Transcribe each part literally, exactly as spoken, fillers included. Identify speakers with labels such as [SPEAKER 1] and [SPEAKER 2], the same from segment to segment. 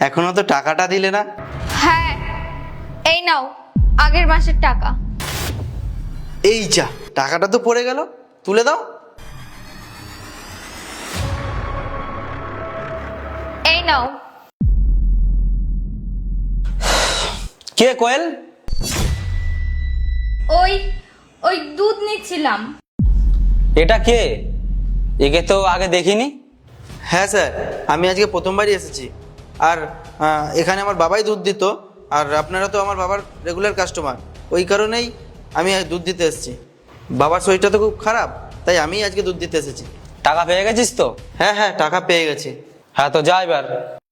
[SPEAKER 1] এখনো তো টাকাটা দিলে না।
[SPEAKER 2] হ্যাঁ, এই নাও আগের মাসের টাকা।
[SPEAKER 1] এই যা, টাকাটা তো পড়ে গেল, তুলে দাও।
[SPEAKER 2] এই নাও।
[SPEAKER 3] কে কোয়েল?
[SPEAKER 2] ওই ওই দুধ নিচ্ছিলাম।
[SPEAKER 3] এটা কে? একে তো আগে দেখিনি।
[SPEAKER 1] হ্যাঁ স্যার, আমি আজকে প্রথমবারই এসেছি। আর আহ, এখানে আমার বাবাই দুধ দিত, আর আপনারা তো আমার বাবার রেগুলার কাস্টমার, ওই কারণেই আমি আজ দুধ দিতে এসেছি। বাবার শরীরটা তো খুব খারাপ, তাই আমি আজকে দুধ দিতে এসেছি।
[SPEAKER 3] টাকা পেয়ে গেছিস তো?
[SPEAKER 1] হ্যাঁ হ্যাঁ, টাকা পেয়ে গেছি।
[SPEAKER 3] হ্যাঁ, তো যা এবার।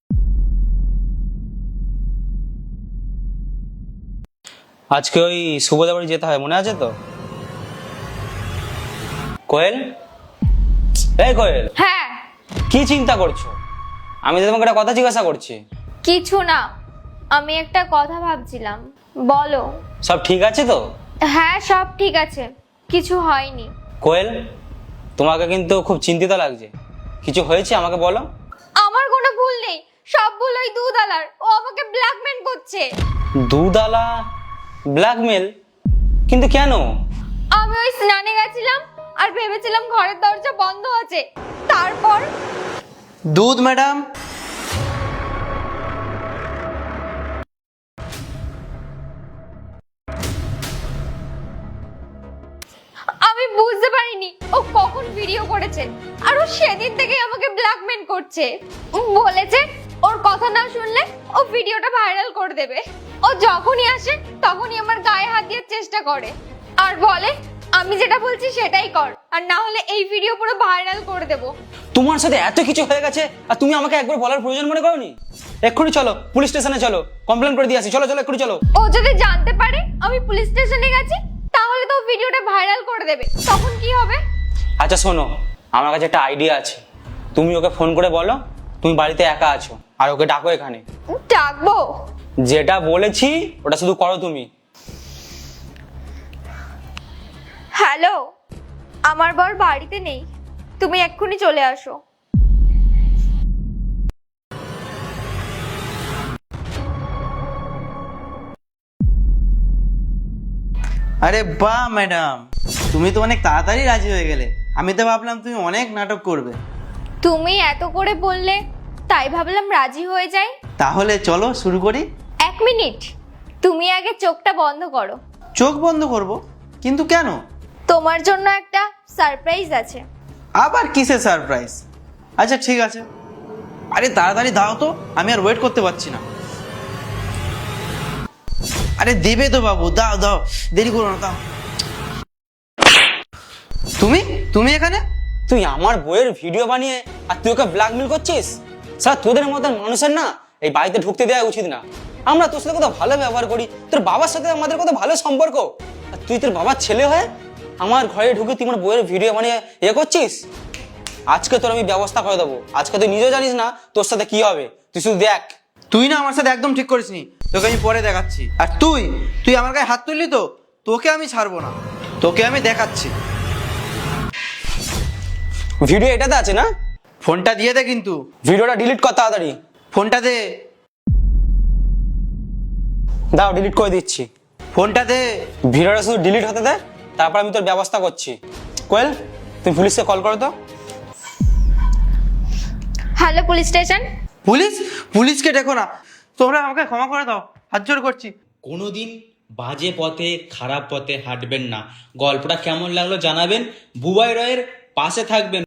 [SPEAKER 3] আজকে ওই সুবোধা বাড়ি যেতে হয়, মনে আছে তো? কোয়েল, এই কোয়েল,
[SPEAKER 2] হ্যাঁ।
[SPEAKER 3] কি চিন্তা করছো? আমি তো তোমাকে একটা কথা জিজ্ঞাসা করছি।
[SPEAKER 2] কিছু না, আমি একটা কথা ভাবছিলাম। বলো।
[SPEAKER 3] সব ঠিক আছে তো?
[SPEAKER 2] হ্যাঁ, সব ঠিক আছে, কিছু হয়নি।
[SPEAKER 3] কোয়েল, তোমাকে কিন্তু খুব চিন্তিত লাগছে। কিছু হয়েছে আমাকে বলো।
[SPEAKER 2] আমার কোনো ভুল নেই, সব ভুল ওই দুধালার। ও আমাকে ব্ল্যাকমেল করছে।
[SPEAKER 3] দুধালা ব্ল্যাকমেল? কিন্তু কেন?
[SPEAKER 2] আমি ওই স্নানে গেছিলাম আর ভেবেছিলাম ঘরের দরজা বন্ধ আছে, তারপর
[SPEAKER 1] দুধ ম্যাডাম।
[SPEAKER 2] আমি বুঝতে পারিনি ও কখন ভিডিও করেছে। আর ও সেদিন থেকে আমাকে ব্ল্যাকমেল করছে। ও বলেছে ওর কথা না শুনলে ও ভিডিওটা ভাইরাল করে দেবে। ও যখনই আসে তখনই আমার গায়ে হাত দেওয়ার চেষ্টা করে আর বলে আমি যেটা বলছি সেটাই কর, আর না হলে এই ভিডিও পুরো ভাইরাল করে দেব।
[SPEAKER 3] তোমার সাথে এত কিছু হয়ে গেছে আর তুমি আমাকে একবার বলার প্রয়োজন মনে করোনি? এক্ষুনি চলো, পুলিশ স্টেশনে চলো, কমপ্লেন করে দিয়ে আসি। চলো চলো, এক্ষুনি চলো।
[SPEAKER 2] ও যদি জানতে পারে আমি পুলিশ স্টেশনে গেছি, তাহলে তো ভিডিওটা ভাইরাল করে দেবে, তখন কি হবে?
[SPEAKER 3] আচ্ছা শোনো, আমার কাছে একটা আইডিয়া আছে। তুমি ওকে ফোন করে বলো তুমি বাড়িতে একা আছো, আর ওকে ডাকো এখানে।
[SPEAKER 2] ডাকবো?
[SPEAKER 3] যেটা বলেছি ওটা শুধু করো তুমি।
[SPEAKER 2] হ্যালো, আমার বর বাড়িতে নেই, তুমি এক্ষুনি চলে আসো।
[SPEAKER 1] আরে বাহ ম্যাডাম, তুমি তো অনেক তাড়াতাড়ি রাজি হয়ে গেলে। আমি তো ভাবলাম তুমি অনেক নাটক করবে।
[SPEAKER 2] তুমি এত করে বললে তাই ভাবলাম রাজি হয়ে যাই।
[SPEAKER 1] তাহলে চলো শুরু করি।
[SPEAKER 2] এক মিনিট, তুমি আগে চোখটা বন্ধ করো।
[SPEAKER 1] চোখ বন্ধ করব? কিন্তু কেন?
[SPEAKER 2] তোমার জন্য একটা সারপ্রাইজ আছে।
[SPEAKER 1] আবার কিসের সারপ্রাইজ? আচ্ছা ঠিক আছে, আরে তাড়াতাড়ি দাও তো, আমি আর ওয়েট করতে পারছি না। আরে দেবে তো বাবু, দাও দাও, দেরি করো না, দাও। তুমি তুমি এখানে?
[SPEAKER 3] তুই আমার বইয়ের ভিডিও বানিয়ে আর তুই ওকে ব্ল্যাকমেল করছিস? স্যার, তোদের মতন মানুষের না এই বাড়িতে ঢুকতে দেওয়া উচিত না। আমরা তোর সাথে কত ভালো ব্যবহার করি, তোর বাবার সাথে আমাদের কত ভালো সম্পর্ক, আর তুই তোর বাবার ছেলে হয়ে আমার ঘরে ঢুকে তুই আমার বইয়ের ভিডিও বানিয়ে এ করছিস। আজকে তোর আমি ব্যবস্থা করে দেবো। আজকে তুই নিজেও জানিস না তোর সাথে কি হবে, তুই শুধু দেখ।
[SPEAKER 1] তুই না আমার সাথে একদম ঠিক করিসনি, তোকে আমি পরে দেখাচ্ছি। আর তুই তুই আমার গায়ে হাত তুললি তো, তোকে আমি ছাড়বো না, তোকে আমি দেখাচ্ছি।
[SPEAKER 3] ভিডিও এটাতে আছে না?
[SPEAKER 1] ফোনটা দিয়ে দে কিন্তু।
[SPEAKER 3] ভিডিওটা ডিলিট কর তাড়াতাড়ি।
[SPEAKER 1] ফোনটা দে।
[SPEAKER 3] দাও, ডিলিট করে দিচ্ছি।
[SPEAKER 1] ফোনটা দে।
[SPEAKER 3] ভিডিওটা শুধু ডিলিট হতে দে, তারপর আমি তোর ব্যবস্থা করছি। কোয়েল, তুমি পুলিশকে কল করো তো।
[SPEAKER 2] Hello police station.
[SPEAKER 1] পুলিশ? পুলিশকে দেখো না, তোমরা আমাকে ক্ষমা করে দাও, হাত জোড় করছি।
[SPEAKER 4] কোনোদিন বাজে পথে খারাপ পথে হাঁটবেন না। গল্পটা কেমন লাগলো জানাবেন, বুবাই রয়ের পাশে থাকবেন।